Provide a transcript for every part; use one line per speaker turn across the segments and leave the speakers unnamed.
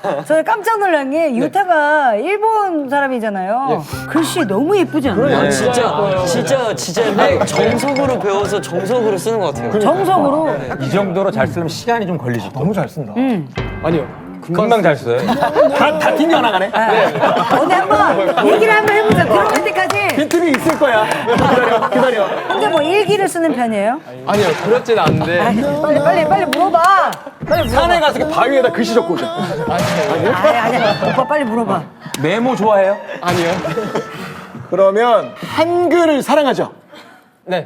저 깜짝 놀란 게 유타가 일본 사람이잖아요. 글씨 너무 예쁘지 않아요?
진짜 정석으로 배워서 정석으로 쓰는 것 같아요.
정석으로.
이 정도로 잘 쓰려면 시간이 좀 걸리지.
너무 잘 쓴다.
아니요.
금방 잘 써요.
다 튕겨나가네.
어디 한번 얘기를 한번 해보자. 들어갈 때까지.
빈틈이 있을 거야. 기다려.
혼자 뭐 일기를 쓰는 편이에요?
아니요. 그렇진 않은데.
빨리 물어봐. 빨리 물어봐.
산에 가서 이렇게 바위에다 글씨 적고 오자.
아니야. 오빠 빨리 물어봐.
메모 좋아해요?
아니요.
그러면 한글을 사랑하죠.
네.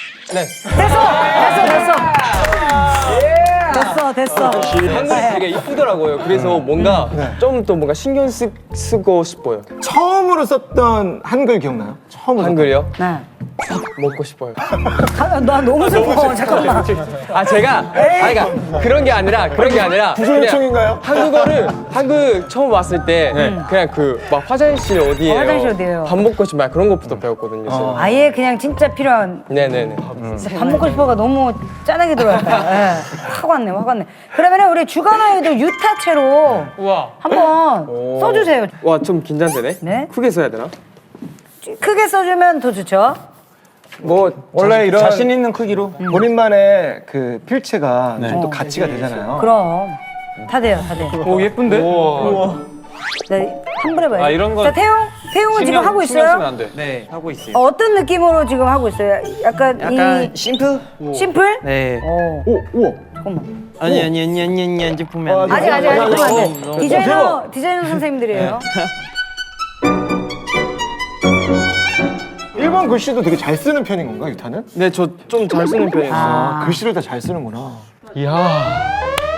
됐어.
한글이 되게 이쁘더라고요. 그래서 뭔가 좀 더 뭔가 신경 쓰고 싶어요.
처음으로 썼던 한글 기억나요? 처음으로.
한글이요?
네.
먹고 싶어요.
나 너무 슬퍼. 잠깐만.
아 제가 그러니까 그런 게 아니라
구조 요청인가요?
한국 처음 왔을 때 그냥 그 막 화장실 어디예요?
화장실 어디예요?
밥 먹고 싶어요. 그런 것부터 배웠거든요. 저는.
아예 그냥 진짜 필요한.
네네네.
밥 먹고 싶어가 너무 짠하게 들어왔다. 예. 확 왔네. 그러면 우리 주간 아이돌 유타체로
우와.
한번 써주세요.
와 좀 긴장되네.
네.
크게 써야 되나?
크게 써주면 더 좋죠.
뭐 원래 이런
자신 있는 크기로.
본인만의 그 필체가 좀 또 가치가 되잖아요.
그럼 다 돼요.
오 예쁜데?
네, 한번 해봐요.
아, 이런 거
자, 태용은 지금 하고
신경 쓰면
있어요?
안 돼.
네, 하고 있어요.
어떤 느낌으로 지금 하고 있어요? 약간 이
심플?
심플?
네.
오, 우와.
잠깐만.
아니, 이제 보면 안 돼.
아직 그러면 안 돼. 디자이너 선생님들이에요.
일본 글씨도 되게 잘 쓰는 편인 건가, 유타는?
네, 저 좀 잘 쓰는 편이에요.
아, 글씨를 다 잘 쓰는구나.
이야.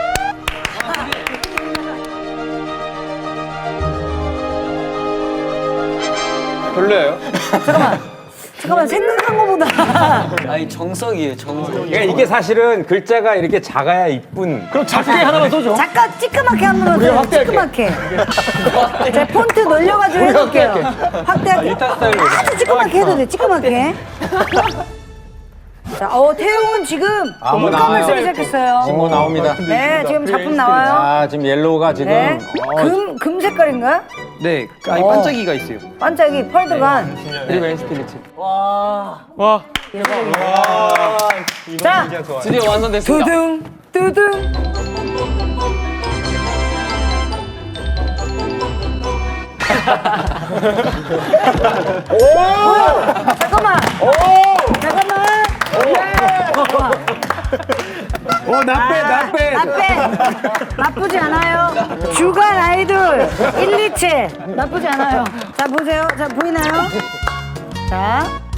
별로예요?
잠깐만 생각한 거보다
아니, 정석이에요, 정석.
그러니까 이게 사실은 글자가 이렇게 작아야 이쁜.
그럼 작게 하나만 써줘.
잠깐 찌끄맣게 한 번만
우리가
더 찌끄맣게. 자 폰트 놀려가지고 해볼게요. 확대할게요. 아주 찌끄맣게 해도 돼. 찌끄맣게. 자, 태용은 지금
나와요.
공감을 쓰기 시작했어요.
친구 나옵니다.
네, 지금 작품 나와요.
아, 지금 옐로우가 지금.
네, 금 색깔인가요?
네, 아니, 반짝이가 있어요.
반짝이 펄드간.
그리고 엔스피리츠.
와.
와.
자,
드디어 완성됐습니다.
두둥. 잠깐만. 나쁘지 않아요. 주간 아이돌 1, 2채 나쁘지 않아요. 자 보세요. 자 보이나요? 자